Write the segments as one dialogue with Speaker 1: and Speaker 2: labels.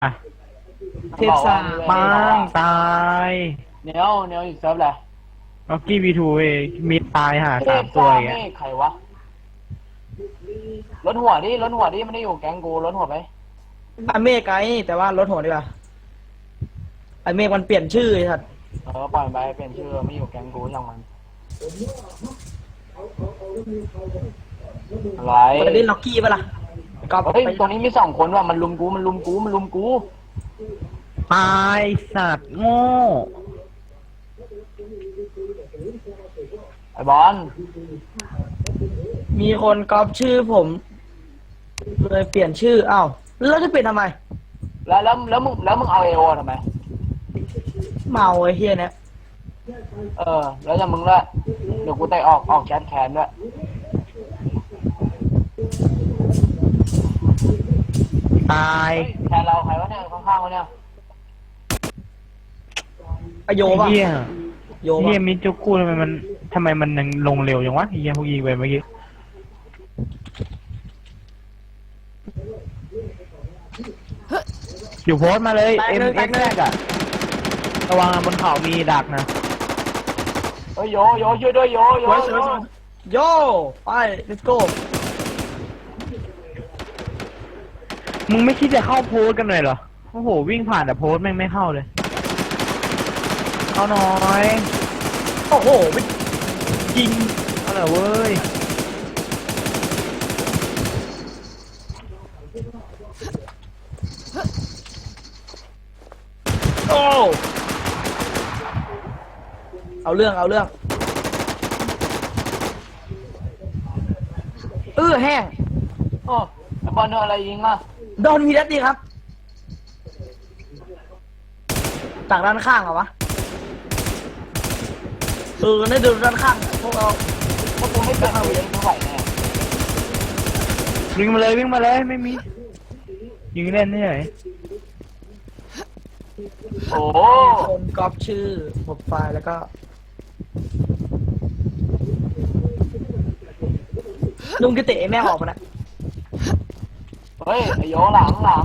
Speaker 1: อ่ะ
Speaker 2: เทพซ่า
Speaker 1: ปังตาย
Speaker 3: เนียวอีกเซิร์ฟเลย
Speaker 1: ล็อกกี้วีทูเองมีตายหา
Speaker 3: เท
Speaker 1: สา
Speaker 3: พ
Speaker 1: มตัว
Speaker 3: ซ่า
Speaker 1: อย่าง
Speaker 3: เม
Speaker 1: เงี้ย
Speaker 3: ฆใครวะรถหัวดิมันได้อยู่แก๊งกูรถหัวไป
Speaker 2: ไอเมฆไงแต่ว่ารถหัวดีกว่าไอเมฆมันเปลี่ยนชื่อไอ้สัตว์
Speaker 3: ปล่อยมันไปเปลี่ยนชื่อไม่อยู่แก๊งกูช่างมันอะไร
Speaker 2: มันเล่นล็อกกี้ปะล่ะก็
Speaker 3: เฮ้ย
Speaker 2: ไป
Speaker 3: ตรงนี้มี2 คนว่ะมันลุมกู
Speaker 1: ตายสัตว์โง่
Speaker 3: ไอ้บอล
Speaker 2: มีคนก๊อปชื่อผมเลยเปลี่ยนชื่ออ้าวแล้วจะเปลี่ยนทำไม
Speaker 3: แล้วมึงเอาเอโอทำไม
Speaker 2: เมาไอ้เฮียเนี่ย
Speaker 3: แล้วจะมึงด้วยเดี๋ยวกูเตะออกแคสแคนด้วย
Speaker 1: ตาย
Speaker 3: แคนเราใครวะเนี่ยข้างๆวะเนี่ย
Speaker 2: ไอโยปะ
Speaker 1: เฮีย
Speaker 2: โย
Speaker 1: เฮีย
Speaker 2: ปะ
Speaker 1: มิจูกูทำไมมันยังลงเร็วจังวะเฮียพวกยิงไปเมื่อกี้อยู่โพสต์มาเลยเอ็มเอ็กแรกอะระวังบนเขามีดักนะ
Speaker 3: เฮ้ยโยช่วยด้วยโย
Speaker 2: โยไป let's go
Speaker 1: มึงไม่คิดจะเข้าโพสต์กันเลยเหรอโอ้โหวิ่งผ่านแต่โพสต์แม่งไม่เข้าเลยเอาหน่อย
Speaker 2: โอ้โหไป
Speaker 1: ยิงเอาหน่อยเว้ย
Speaker 2: โอ้เอาเรื่องแห้ง
Speaker 3: โอ้ไอ้บอลโดนอะไรยิงอ่ะ
Speaker 2: โดนมีนัดดีครับต่างด้านข้างเหรอวะได้ดูด้านข้างพวกเรา
Speaker 3: พวกกูไม่เป็นเอาเองไม่ไหวแน่
Speaker 1: วิ่งมาเลยไม่มียิงเล่นนี่ไหน
Speaker 3: โอ้
Speaker 2: คนก๊อปชื่อโปรไฟล์แล้วก็ลุงกิติแม่งออกมาแล้ว
Speaker 3: เฮ้ยไอ้โยหลัง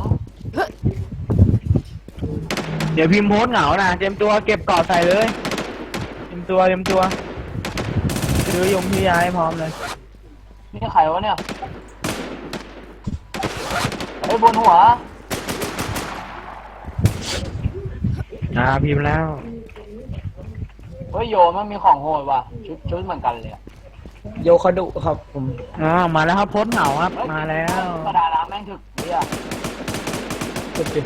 Speaker 1: เดี๋ยวพิมพ์โพสต์เหงานะเตรียมตัวเก็บเกาะใส่เลยเตรียมตัวซื้อยงที่ย้ายพร้อมเลย
Speaker 3: นี่ใครวะเนี่ยไอ้บนหัว
Speaker 1: พิมพ์แล้ว
Speaker 3: เฮ้ยโยมันมีของโหดว่ะชุดเหมือนกันเลย
Speaker 2: โยคาดุครับผม
Speaker 1: มาแล้วครับโพสต์เหงาครับมาแล้ว
Speaker 3: กระดาษแม่งถึกเนี่ย
Speaker 2: สุด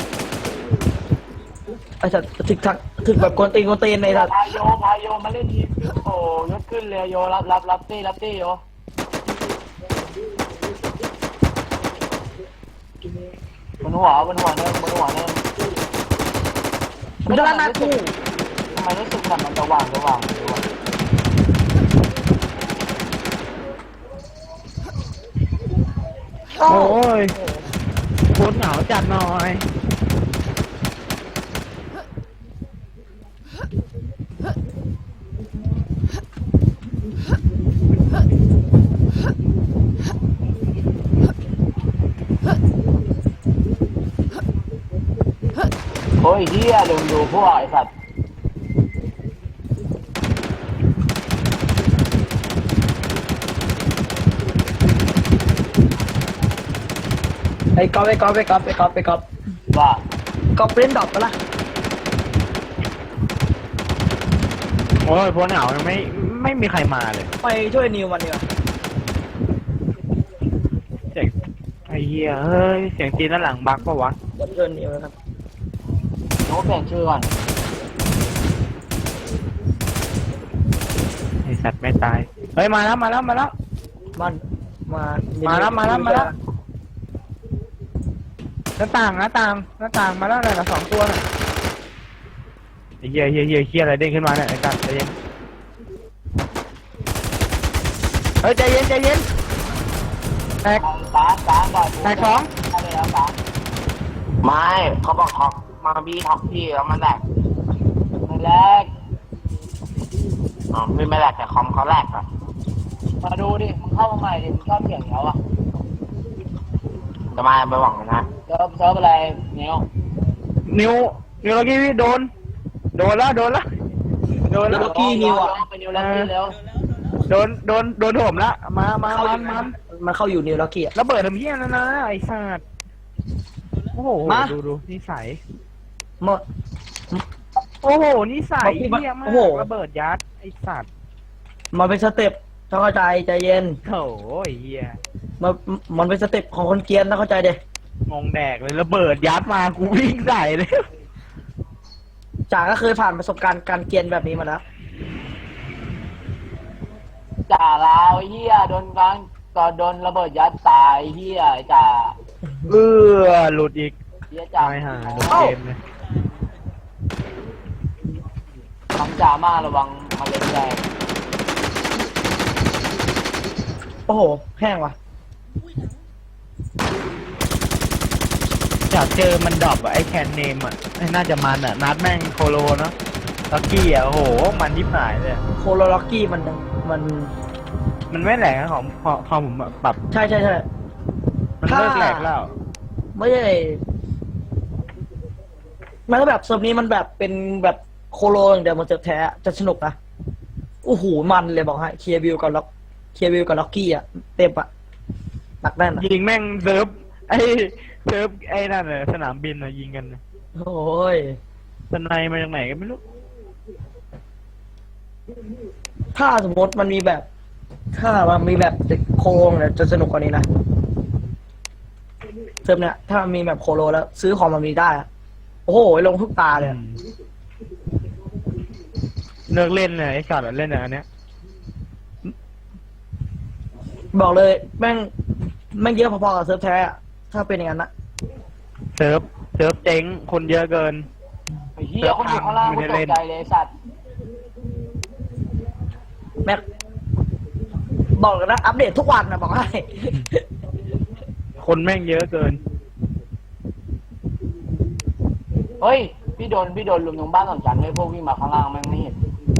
Speaker 2: ไอ้สัตว์ถึกแบบกวนตีนในสัตว์
Speaker 3: พายโยมาเล่นทีโอ้ยศขึ้นเลยโยรับตี้โยบนหัวเนิ่ง
Speaker 2: มันจะลั่นหน้ากู
Speaker 3: ทำไมรู้สึกมันจะว่างวะ
Speaker 2: โอ้
Speaker 1: โอ้ยโพสต์เหงาจัดหน่อย
Speaker 3: โอ้ยเฮียลืมดูพวกไอ้สัตว์
Speaker 2: ไอ้ก๊อป
Speaker 3: ว่า
Speaker 2: ก๊อปเล่นดอกปะล่ะ
Speaker 1: โอ้ยโพสต์เหงายังไม่มีใครมาเลย
Speaker 2: ไปช่วยนิวมันดีกว่า
Speaker 1: เสียงไอ้เหี้ยเฮ้ยเสียงจีนด้านหลังบักปะวะ
Speaker 2: เดี๋ยวช่วยนิวนะครับ
Speaker 3: โน้ตเปลี่ยนชื่อก่อน
Speaker 1: ไอสัตว์ไม่ตายเฮ้ยมาแล้ว
Speaker 2: มันมา
Speaker 1: มาแล้วหน้าต่างมาแล้วเลยนะ2 ตัวน่ะไอ้เหี้ยอะไรเด้งขึ้นมาเนี่ยไอ้สัตว์ใจเย็นเฮ้ยใจเย็นแตก
Speaker 3: ตามก่อน
Speaker 1: แตกสอง
Speaker 3: อะไรแล้วตาม
Speaker 4: ไม่เขาบอกท็อกมาบี้ท็อกพี่แล้วมันแหลก
Speaker 3: ไม่แรก
Speaker 4: อ๋อไม่แหลกแต่คอมเขาแหลกอะ
Speaker 3: มาดูดิมึงเข้ามาใหม่ดิมึงชอบเสียงเขาอ่ะ
Speaker 4: จะมาไปหวังนะ
Speaker 3: เซิร์ฟอะไรเนี้ย
Speaker 1: นิวแล้วกี้โดนแล้ว
Speaker 2: ล็อกกี้นิวอ่ะ
Speaker 3: ไปนิวแล้วกี้แล้ว
Speaker 1: โดนโถมละมา
Speaker 2: มันเข้าอยู่นิวล็อกกี้อ่ะ
Speaker 1: ระเบิดทำเหี้ยแล้วนะไอ้สัตว์โอ้โห
Speaker 2: มา
Speaker 1: ดูนิสัย
Speaker 2: หมด
Speaker 1: โอ้โหนิสัย
Speaker 2: มา
Speaker 1: เหี้ยมา
Speaker 2: โอ้โห
Speaker 1: กระเบิดยัดไอ้สัตว์
Speaker 2: มันเป็นสเต็ปต้องเข้าใจใจเย็น
Speaker 1: โถ่ไอ้เหี้ย
Speaker 2: มันเป็นสเต็ปของคนเกรียนต้องเข้าใจเด้
Speaker 1: งงแดกเลยระเบิดยัดมากูวิ่งใส่เลย
Speaker 2: จ่าก็เคยผ่านประสบการณ์การเกรียนแบบนี้มาแล้ว
Speaker 3: จ่าลาวเฮียโดนกลางก็โดนระเบิดยัดตายเฮียจ่า
Speaker 1: หลุดอีก
Speaker 3: เฮียจ่า
Speaker 1: ตายห่าโดนเกมเลย
Speaker 3: ทำจ่ามาระวังมาเล่นแรง
Speaker 2: โอ้โหแห้งว่ะ
Speaker 1: อยากเจอมันดรอปอะไอ้แคนเนมอะน่าจะมันอะนัดแม่งโคโลเนาะลักกี้อะโอ้โหมันยิบหายเลย
Speaker 2: โคโลล็อกกี้มัน
Speaker 1: มันไม่แหลกนะของพอผมปรับ
Speaker 2: ใช่
Speaker 1: มันเลิกแหลกแล้ว
Speaker 2: ไม่ใช่มันก็แบบเซิร์ฟนี้มันแบบเป็นแบบโคโลอย่างเดียวมันจะแท้จะสนุกนะโอ้โหมันเลยบอกให้เคลียร์วิวกับล็อกกี้อ่ะเต็มอ่ะหนักแน่นอะ
Speaker 1: ยิงแม่งเซิร์ฟไอ้นั่นเลยสนามบินอะยิงกัน
Speaker 2: โอ้ย
Speaker 1: สไนมาจากไหนก็ไม่รู้
Speaker 2: ถ้าสมมติมันมีแบบ ถ้ามันมีแบบโคโลเนี่ยจะสนุกกว่านี้นะเซิร์ฟเนี่ยถ้ามันมีแบบโคโลแล้ว ซื้อของมันมีได้อะโอ้โหลงทุกตาเลยอะ
Speaker 1: เลิกเล่นเลยไอ้สัตว์อะเล่นอันเนี้ย
Speaker 2: บอกเลยแม่งเยอะพอๆกับเซิร์ฟแท้อะถ้าเป็นอย่างนั้นนะ
Speaker 1: เซิร์ฟเจ๊งคนเยอะเกิน
Speaker 3: ไอ้เฮียคนอยู่ข้างล่างกูตกใจเลยไอ้สัตว์
Speaker 2: แม็กบอกเลยนะอัปเดตทุกวันนะบอกให้
Speaker 1: คนแม่งเยอะเกิน
Speaker 3: เฮ้ยพี่โดนลุมตรงบ้านสองชั้นเลยพวกวิ่งมาข้างล่างแม่งไม่เห็น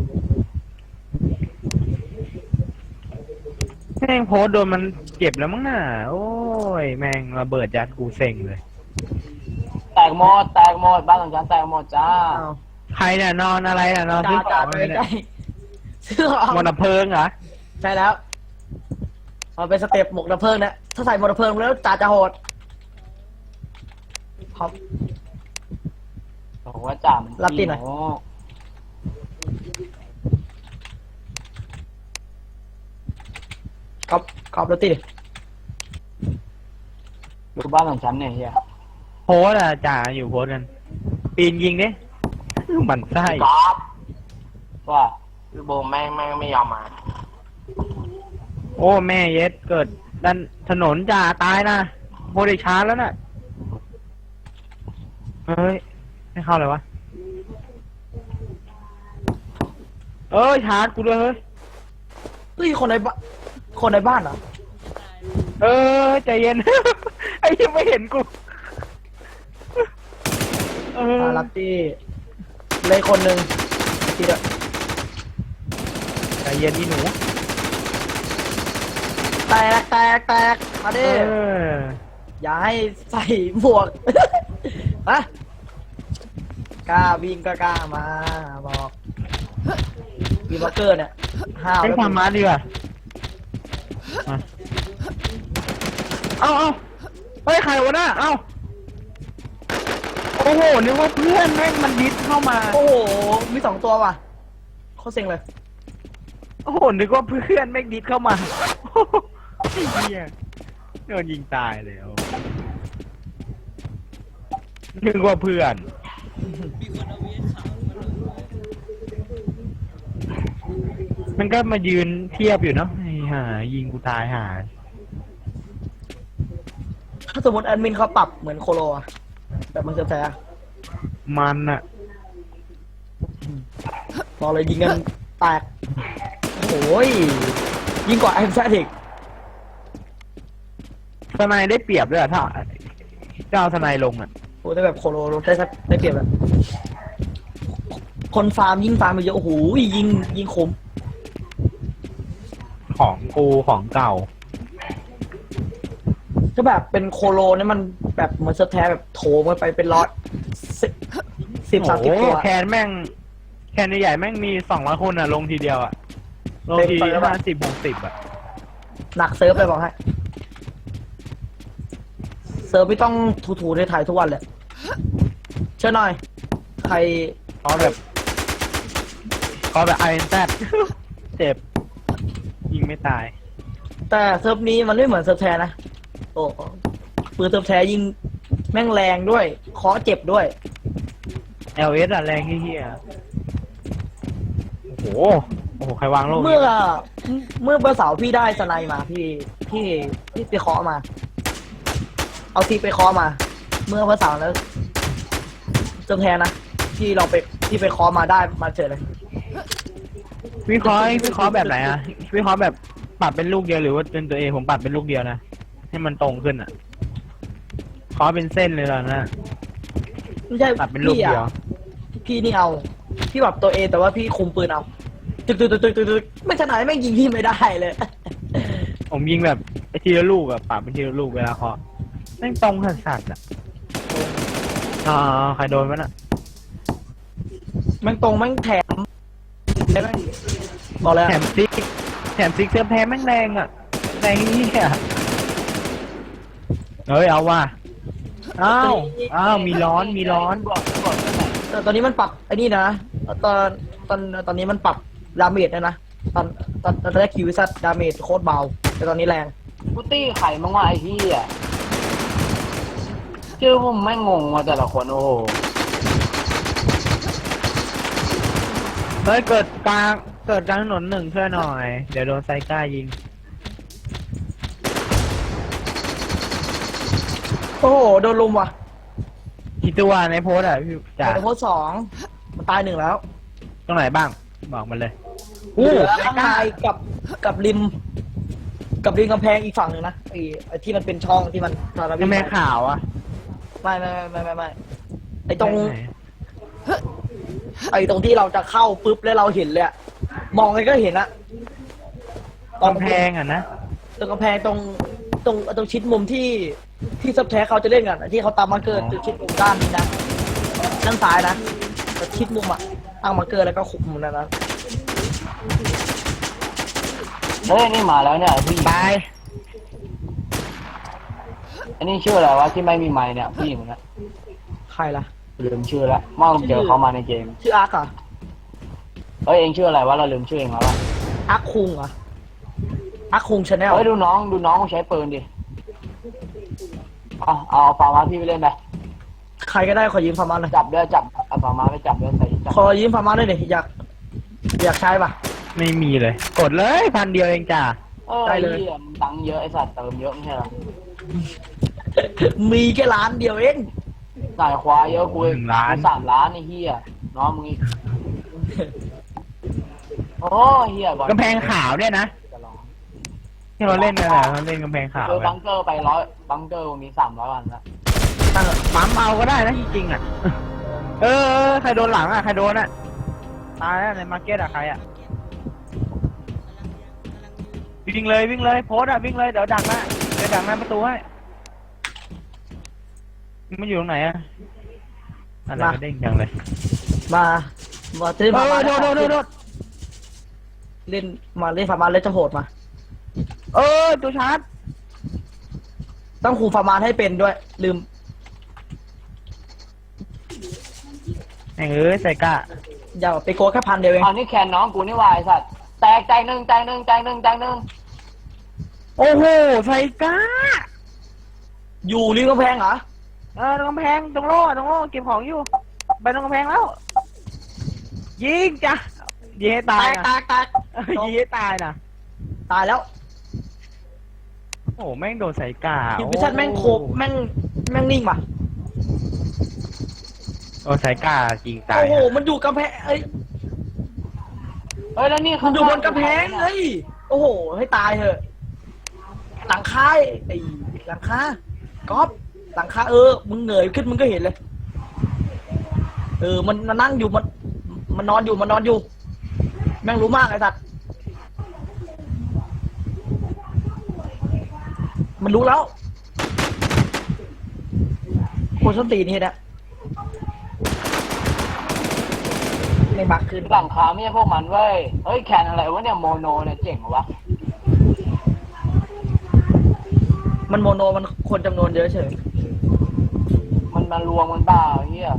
Speaker 1: แม่งโพสต์โดนมันเก็บแล้วมั้งน่ะโอ้ยแม่งระเบิดยัดกูเซ็งเลย
Speaker 3: แตกหมดบ้านสองชั้นแตกหมดจ้า
Speaker 2: อ้าว
Speaker 1: ใครเนี่ยนอนอะไรน่ะนอนซื้อข
Speaker 2: จ่า
Speaker 1: อง
Speaker 2: ไป
Speaker 1: อะไร
Speaker 2: ใก
Speaker 1: เนี่
Speaker 2: ล้
Speaker 1: ย
Speaker 2: ซื้อของ
Speaker 1: มอนเพลิงเหรอ
Speaker 2: ใช่แล้วเอาเป็นสเต็ปหมวกดับเพลิงนะถ้าใส่หมวกดับเพลิงแล้วจ่าจะโหดครับ
Speaker 3: บอกว่าจ่ามัน
Speaker 2: รับตีหน่อย
Speaker 3: โง่
Speaker 2: กรอบแล้วติด
Speaker 3: ดูบ้านสองชั้นเนี่ยเฮีย
Speaker 1: โพสต์อะจ่าอยู่โพสต์กัน ปีนยิงดิหมันไส้
Speaker 4: กอล์ฟ
Speaker 3: ว่า
Speaker 4: คือโบแม่งไม่ยอมมา
Speaker 1: โอ้แม่เย็ดเกิดดันถนนจ่าตายนะโพสต์ได้ช้าแล้วน่ะเฮ้ยไม่เข้าเลยวะชาร์จกูด้วยเฮ้ย
Speaker 2: เฮ้ยคนในบ้านเหรอ
Speaker 1: ใจเย็น ไอ้ยังไม่เห็นกู
Speaker 2: รับที่เลยคนหนึ่งทีเดียว
Speaker 1: ใจเย็นนี่หนู
Speaker 2: แตกมาดิอย่าให้ใส่หมวก อะกล้าวิ่งก็กล้ามาบอกวีบล็อกเกอร์เนี่ยห้าว
Speaker 1: ให้
Speaker 2: แล้ว
Speaker 1: ความมาดีกว่ามาเอาเฮ้ยใครวะน่ะโอ้โหนึกว่าเพื่อนแม่งมันดิสเข้ามา
Speaker 2: โอ้โหมี2 ตัวว่ะโคตรเซ็งเลย
Speaker 1: โอ้โหนึกว่าเพื่อนแม่งดิสเข้ามาไอ้เหี้ยโดนยิงตายเลยนึกว่าเพื่อน มันก็มายืนเทียบอยู่เนาะไอ้ห่ายิงกูตายห่า
Speaker 2: ถ้าสมมติแอดมินเขาปรับเหมือนโคโลอะแบบมันจะแท้
Speaker 1: มันอะ
Speaker 2: บอกเลยยิงกันแตกโอ้ยยิงกว่าไอ้แซดอีก
Speaker 1: ทนายได้เปรียบด้วยอะถ้าเอาทนายลงอะ
Speaker 2: โอ้แต่แบบโคโลได้เปรียบแบบคนฟาร์มยิงฟาร์มไปเยอะโอ้โหยิงคม
Speaker 1: ของกูของเก่า
Speaker 2: ก็แบบเป็นโคโลเนี่ยมันแบบเหมือนเซิร์ฟแท้แบบโถมกันไปเป็นล็อต 10-30
Speaker 1: โอ้โห
Speaker 2: ตัว
Speaker 1: แคนใหญ่ๆแม่งมี200 คนอ่ะลงทีเดียวอ่ะลงที
Speaker 2: เต็มไปแล้วอะ
Speaker 1: 50-60อ่ะ
Speaker 2: หนักเซิร์ฟเลยบอกให้เซิร์ฟไม่ต้องถูๆไทยๆทุกวันเลยเชื่อหน่อย ใคร
Speaker 1: ขอแบบไอเอ็นแซดเจ็บยิงไม่ตาย
Speaker 2: แต่เซิร์ฟนี้มันไม่เหมือนเซิร์ฟแท้นะ โอ้ปืนเซิร์ฟแท้ยิงแม่งแรงด้วยเคาะเจ็บด้วย
Speaker 1: LS อ่ะแรงเฮี้ยๆโอ้โหใครวางโลก
Speaker 2: เมื่อวันเสาร์พี่ได้สไนมาพี่ไปเคาะมา เอาทีไปเคาะมา เมื่อวันเสาร์แล้วเซิร์ฟแท้นะที่ไปเคาะมาได้มาเจอเลย
Speaker 1: วิเคราะห์แบบไหนอ่ะวิเคราะห์แบบปรับเป็นลูกเดียวหรือว่าเป็นตัวเองผมปรับเป็นลูกเดียวนะให้มันตรงขึ้นอ่ะเคาะเป็นเส้นเลยแล้วนะ
Speaker 2: ไม่ใช่
Speaker 1: ปรับเป็นลูกเดียว
Speaker 2: พี่นี่เอาพี่แบบตัวเองแต่ว่าพี่คุมปืนเอาตึกไม่ขนาดไม่งยิงพี่ไม่ได้เลย
Speaker 1: ผมยิงแบบไอ้ทีละลูกอะปรับเป็นทีละลูกเวลาเคาะแม่งตรงสัสๆอะใครโดนวะน่ะ
Speaker 2: แม่งตรงแม่งแถมแม่งบอกเลย
Speaker 1: แถมซิกเสื้อแพ้แม่งแรงอะแรงนี่อะเฮ้ยเอาว่ะอ้าวมีร้อน
Speaker 2: แต่ตอนนี้มันปรับไอ้นี่นะตอนนี้มันปรับดาเมจนะตอนแรกคิววิสัตดาเมจโคตรเบาแต่ตอนนี้แรง
Speaker 3: กูตี้ไข่มั้งวะไอ้ที่อ่ะชื่อผมไม่งงว่าแต่ละคนโอ้โห
Speaker 1: เฮ้ยเกิดกลางถนนหนึ่งช่วยหน่อยเดี๋ยวโดนไซก้ายิง
Speaker 2: โอ้โหโดนลุมว่ะ
Speaker 1: กี่ตัวในโพสต์อะพี่จ๋า
Speaker 2: แต่โคตร2มันตาย1แล้ว
Speaker 1: ตรงไหนบ้างบอกมาเลย
Speaker 2: เหลือข้างในกับริมกำแพงอีกฝั่งหนึ่งนะไอ้ที่มันเป็นช่องที่มันตอนเราวิ่
Speaker 1: ทำ
Speaker 2: ง
Speaker 1: ไม
Speaker 2: ไป
Speaker 1: ข่าวอะ
Speaker 2: ไม่ไอ้ตรงที่เราจะเข้าปุ๊บแล้วเราเห็นเลยอะมองไงก็เห็นอะ
Speaker 1: กำแพงอะนะ
Speaker 2: ตรงกำแพงตรงชิดมุมที่ซับแท้เขาจะเล่นกันอะที่เขาตามมาร์เกอร์ชิดมุมด้านนี้นะด้านซ้ายนะแต่ชิดมุมอะตั้งมาร์เกอร์แล้วก็ขุมมุมนั้นนะ
Speaker 3: เฮ้ยนี่มาแล้วเนี่ยผู้หญิง
Speaker 1: ตาย
Speaker 3: อันนี้ชื่ออะไรวะที่ไม่มีไมค์เนี่ยผู้หญิงนะ
Speaker 2: ใครล่ะ
Speaker 3: ลืมชื่อแล้วเมื่อเจอเขามาในเกม
Speaker 2: ชื่ออาร์คเหรอ
Speaker 3: เฮ้ยเองชื่ออะไรวะเราลืมชื่อเองแล้ววะ
Speaker 2: อาร์คคุงเหรออาร์คคุงชาแนล
Speaker 3: เฮ้ยดูน้องใช้ปืนดิเอาฟาร์มาพี่ไปเล่นไป
Speaker 2: ใครก็ได้ขอยืมฟาร์มาหน่อย
Speaker 3: จับด้วยจับเอาฟาร์มาไปจับด้วยใส่จับ
Speaker 2: ขอยืมฟาร์มาด้วยดิอยากใช้ป่ะ
Speaker 1: ไม่มีเลย กดเลย1,000 เดียวเองจ้า
Speaker 2: ได้เลย
Speaker 3: ไอ้หี้มึงตังค์เยอะไอ้สัตว์เติมเยอะไม่ใช่เหรอ
Speaker 2: มีแค่ล้านเดียวเอง
Speaker 3: สายควายเยอะกูกู3 ล้านไอ้เหี้ยน้องมึงอีกโอ้เหี้ยบอล
Speaker 1: กำแพงขาวเนี่ยนะ
Speaker 3: จะลอง
Speaker 1: ที่เราเล่นนั่นแหละเราเล่นกำแพงขาว
Speaker 3: คือ
Speaker 1: อะ
Speaker 3: บังเกอร์ไปบังเกอร์มี300 วันแล้ว
Speaker 1: ตั้งปั๊มเอาก็ได้นะจริงๆอะเออใครโดนหลังอะใครโดนอะตายแล้วในมาร์เก็ตอะใครอะวิ่งเลยโพสต์อะวิ่งเลยเดี๋ยวดักหน้าประตูให้มันอยู่ตรงไหนอะอะไรมาเด้งจังเลย
Speaker 2: มาซื้อฟาร์มา
Speaker 1: โดด
Speaker 2: เล่นมาเล่นฟาร์มาเล่นจะโหดมา
Speaker 1: ตัวชาร์จ
Speaker 2: ต้องคุมฟาร์มาให้เป็นด้วย ลืม
Speaker 1: ใส่กะ
Speaker 2: อย่าไปโกแค่1,000 เดียวเอง
Speaker 3: เอานี่แคนน้องกูนี่วายสัตว์แตกใจหนึ่ง
Speaker 1: โอ้โหใส่กะ
Speaker 2: อยู่ริมกำแพงเหรอ
Speaker 1: ตรงกำแพงตรงโล่เก็บของอยู่ไปตรงกำแพงแล้วยิงจ้ะยิงให้ตายนะ
Speaker 2: แตก
Speaker 1: ยิงให้ตายนะ
Speaker 2: ตายแล้ว
Speaker 1: โอ้แม่งโดนใส่กา
Speaker 2: คิวพิชันแม่งโคบแม่งนิ่งป่ะ
Speaker 1: โอ้ใส่กาจริงตาย
Speaker 2: โอ้โหมันอยู่กำแพง
Speaker 3: เฮ้ยแล้วนี่
Speaker 2: มันอยู่บนกำแพงเฮ้ยโอ้โหให้ตายเถอะหลังคาไอ้หลังคาก๊อฟหลังคามึงเหนื่อยขึ้นมึงก็เห็นเลยมันนั่งอยู่มันนอนอยู่แม่งรู้มากไอ้สัตว์มันรู้แล้วคนส้นตีนนี่นะไม่บักขึ้น
Speaker 3: หลังคาไม่ใช่พวกมันเว้ยเฮ้ยแคนอะไรวะเนี่ยโมโนเนี่ยเจ๋งเหรอวะ
Speaker 2: มันโมโนมันคนจำนวนเยอะเฉย
Speaker 3: มันมารวมมันเปล่าเฮีย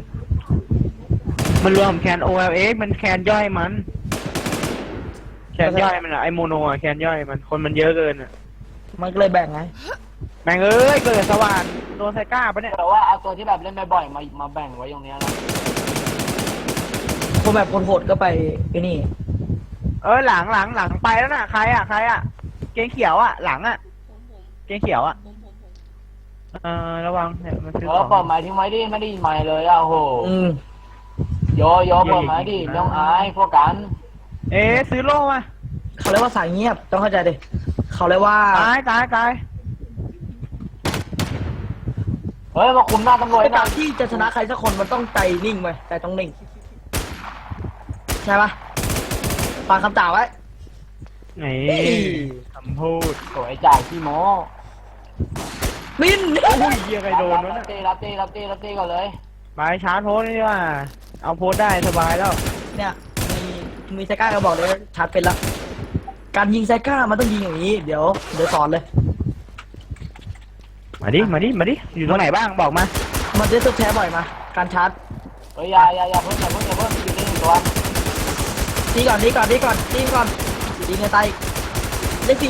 Speaker 1: มันรวมแคน OLX มันแคนย่อยมัน แคนย่อยมันอะไอโมโนอะแคนย่อยมันคนมันเยอะเกินอะ
Speaker 2: มันก็เลยแบ่งไง
Speaker 1: แม่งเอ้ยเกิดสว่านโดนไซก้าปะเนี่ย
Speaker 3: แต่ว่าเอาตัวที่แบบเล่นบ่อยๆมาแบ่งไว้ตรงเนี้ยนะ
Speaker 2: คนแบบคนโหดก็ไปไอ้นี่
Speaker 1: หลังไปแล้วน่ะใครอะเกงเขียวอะหลังอะเกงเขียวอะระวังเนี่ยมันซื้อ
Speaker 3: เปิดไม้ทิ้งไว้ดิไม่ได้ยินไม้เลยอ่ะโห
Speaker 2: อืม
Speaker 3: โยเปิดไม้ดิน้องอายพวกกัน
Speaker 1: ซื้อโล่มา
Speaker 2: เขาเรียกว่าสายเงียบต้องเข้าใจดิเขาเรียกว่า
Speaker 1: ตาย
Speaker 3: เฮ้ยมาคุมหน้าตำรวจ
Speaker 2: ใน
Speaker 3: หน่
Speaker 2: กา
Speaker 3: อ
Speaker 2: ร
Speaker 3: ย
Speaker 2: ที่จะชนะใครสักคนมันต้องใจนิ่งไว้ใจต้องนิ่งใช่ปะฟังคำจ่าไว้
Speaker 1: นี่คำพูด
Speaker 3: สวยจ่ายขี้โม้
Speaker 2: บิน
Speaker 1: อุ้ยเหี้ยใครโดนวะ
Speaker 3: รับ
Speaker 1: เนี่ย
Speaker 3: ตีก่อนเลย
Speaker 1: ไปชาร์จโพสต์นี่ว่า เอาโพสต์ได้สบายแล้ว
Speaker 2: เนี่ยมีไซก้าก็บอกเลยชาร์จเป็นละการยิงไซก้ามันต้องยิงอย่างนี้เดี๋ยวสอนเลย
Speaker 1: มาดิอยู่ตรงไหนบ้างบอกมา
Speaker 2: มันจะสุดแท้บ่อยมาการชาร์จ
Speaker 3: เฮ้ยอย่าเพิ่งอยู่นี่หนึ่งตัว
Speaker 2: ตีก่อนยิงไงตายเลขสี่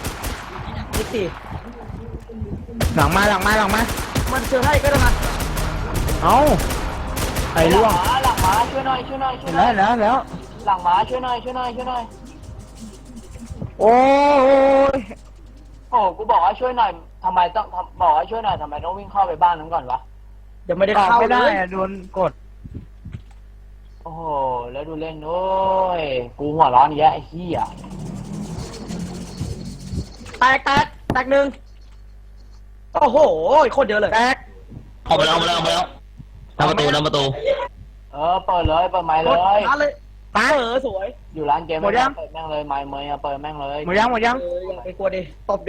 Speaker 1: หลังมา
Speaker 2: มันเชื่อให้ก็ได้มา
Speaker 1: เอาไอ้ล่วง
Speaker 3: หลังหมาช่วยหน่อย
Speaker 1: แล้ว
Speaker 3: หลังหมาช่วยหน่อย
Speaker 1: โอ้ย
Speaker 3: โอ้กูบอกว่าช่วยหน่อยทำไมต้องบอกว่าช่วยหน่อยทำไมต้องวิ่งเข้าไปบ้านนั้นก่อนวะ
Speaker 2: เดี๋ยวไม่ได้
Speaker 1: ออก
Speaker 2: เข้า
Speaker 1: ไม่
Speaker 2: เล
Speaker 1: ได้
Speaker 2: ย
Speaker 1: อะโดนกด
Speaker 3: โอ้โหแล้วดูเล่นด้วยกูหัวร้อนแยะไอ้เหี้ย
Speaker 2: แตกหนึ่งโอ้โหโคตรเยอะเลย
Speaker 1: แตก
Speaker 5: ออกไปแล้วหน้าประตู
Speaker 3: เปิดเลยเปิดไม้เลย
Speaker 2: ร้านเลย
Speaker 1: ตาย
Speaker 2: สวย
Speaker 3: อยู่ร้านเกม
Speaker 1: หมดยัง
Speaker 3: เปิดแม่งเลยไม้เมย์เปิดแม่งเลย
Speaker 1: หมดยัง
Speaker 2: อย่าไปกลัวดิตบ